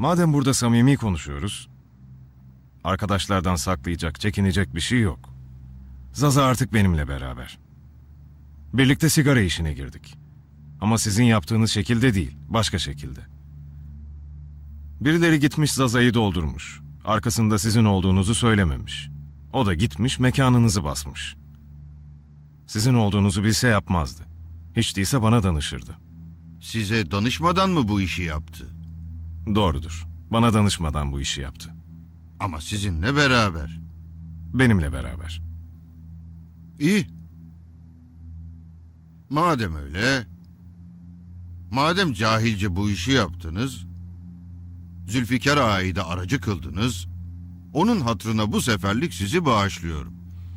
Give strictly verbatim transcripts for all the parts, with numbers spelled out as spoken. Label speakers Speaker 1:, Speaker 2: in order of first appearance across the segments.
Speaker 1: Madem burada samimi konuşuyoruz, arkadaşlardan saklayacak, çekinecek bir şey yok. Zaza artık benimle beraber. Birlikte sigara işine girdik. Ama sizin yaptığınız şekilde değil, başka şekilde. Birileri gitmiş Zaza'yı doldurmuş. Arkasında sizin olduğunuzu söylememiş. O da gitmiş mekanınızı basmış. Sizin olduğunuzu bilse yapmazdı. Hiç değilse bana danışırdı.
Speaker 2: Size danışmadan mı bu işi yaptı?
Speaker 1: Doğrudur. Bana danışmadan bu işi yaptı.
Speaker 2: Ama sizinle beraber.
Speaker 1: Benimle beraber.
Speaker 2: İyi. Madem öyle, madem cahilce bu işi yaptınız, Zülfikar Ağa'yı da aracı kıldınız, onun hatırına bu seferlik sizi bağışlıyorum.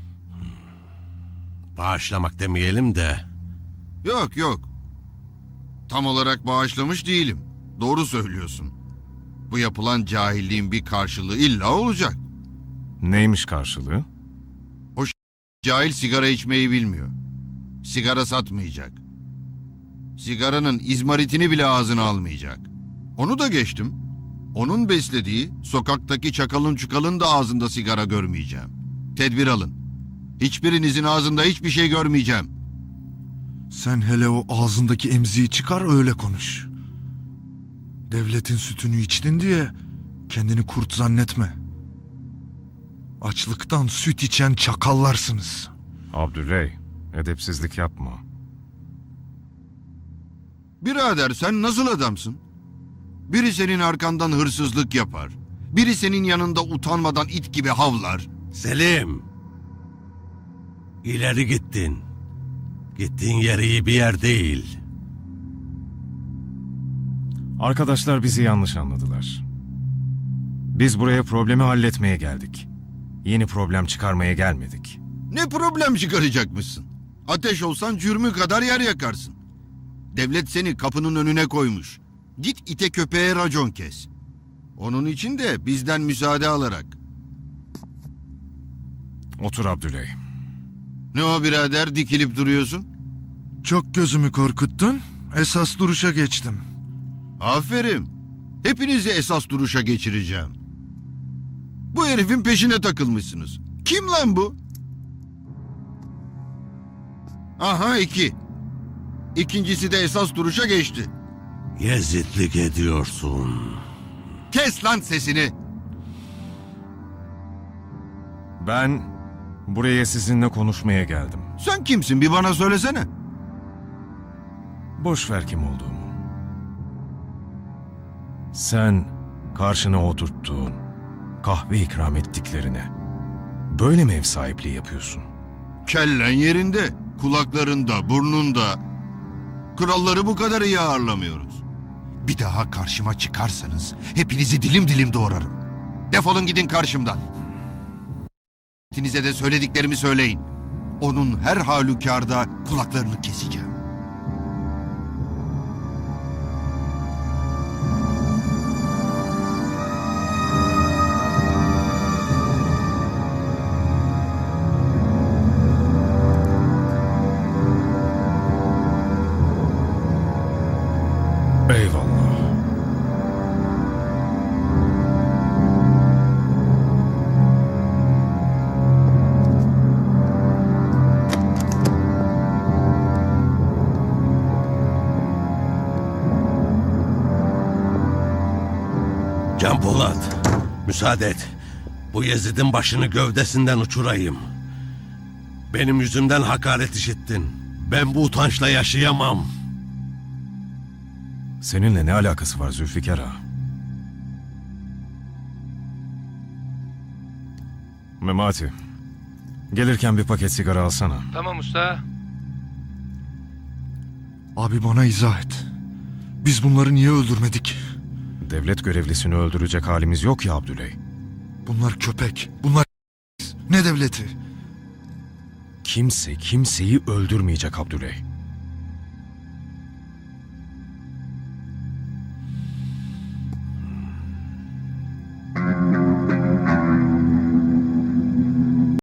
Speaker 3: Bağışlamak demeyelim de.
Speaker 2: Yok yok. Tam olarak bağışlamış değilim. Doğru söylüyorsun. Bu yapılan cahilliğin bir karşılığı illa olacak.
Speaker 1: Neymiş karşılığı?
Speaker 2: O ş- cahil sigara içmeyi bilmiyor. Sigara satmayacak. Sigaranın izmaritini bile ağzına almayacak. Onu da geçtim. Onun beslediği sokaktaki çakalın çukalın da ağzında sigara görmeyeceğim. Tedbir alın. Hiçbirinizin ağzında hiçbir şey görmeyeceğim.
Speaker 4: Sen hele o ağzındaki emziği çıkar öyle konuş. Devletin sütünü içtin diye kendini kurt zannetme. Açlıktan süt içen çakallarsınız.
Speaker 1: Abdüley, edepsizlik yapma.
Speaker 2: Birader sen nasıl adamsın? Biri senin arkandan hırsızlık yapar. Biri senin yanında utanmadan it gibi havlar.
Speaker 3: Selim. İleri gittin. Gittiğin yer iyi bir yer değil.
Speaker 1: Arkadaşlar bizi yanlış anladılar. Biz buraya problemi halletmeye geldik. Yeni problem çıkarmaya gelmedik.
Speaker 2: Ne problem çıkaracakmışsın? Ateş olsan cürmü kadar yer yakarsın. Devlet seni kapının önüne koymuş. Git ite köpeğe racon kes. Onun için de bizden müsaade alarak.
Speaker 1: Otur Abdüley.
Speaker 2: Ne o birader dikilip duruyorsun?
Speaker 4: Çok gözümü korkuttun. Esas duruşa geçtim.
Speaker 2: Aferin. Hepinizi esas duruşa geçireceğim. Bu herifin peşine takılmışsınız. Kim lan bu? Aha iki. İkincisi de esas duruşa geçti.
Speaker 3: Yezidlik ediyorsun.
Speaker 2: Kes lan sesini.
Speaker 1: Ben buraya sizinle konuşmaya geldim.
Speaker 2: Sen kimsin bir bana söylesene.
Speaker 1: Boş ver kim olduğumu. Sen karşına oturttuğun, kahve ikram ettiklerine böyle mi ev sahipliği yapıyorsun?
Speaker 2: Kellen yerinde, kulaklarında, burnunda. Kralları bu kadar iyi ağırlamıyoruz. Bir daha karşıma çıkarsanız hepinizi dilim dilim doğrarım. Defolun gidin karşımdan. Hepinize de söylediklerimi söyleyin. Onun her halükarda kulaklarını keseceğim.
Speaker 1: Eyvallah.
Speaker 3: Can Polat, müsaade et. Bu Yezid'in başını gövdesinden uçurayım. Benim yüzümden hakaret işittin. Ben bu utançla yaşayamam.
Speaker 1: Seninle ne alakası var Zülfikar Ağa? Memati, gelirken bir paket sigara alsana.
Speaker 5: Tamam usta.
Speaker 4: Abi bana izah et. Biz bunları niye öldürmedik?
Speaker 1: Devlet görevlisini öldürecek halimiz yok ya Abdüley.
Speaker 4: Bunlar köpek. Bunlar ne devleti?
Speaker 1: Kimse kimseyi öldürmeyecek Abdüley.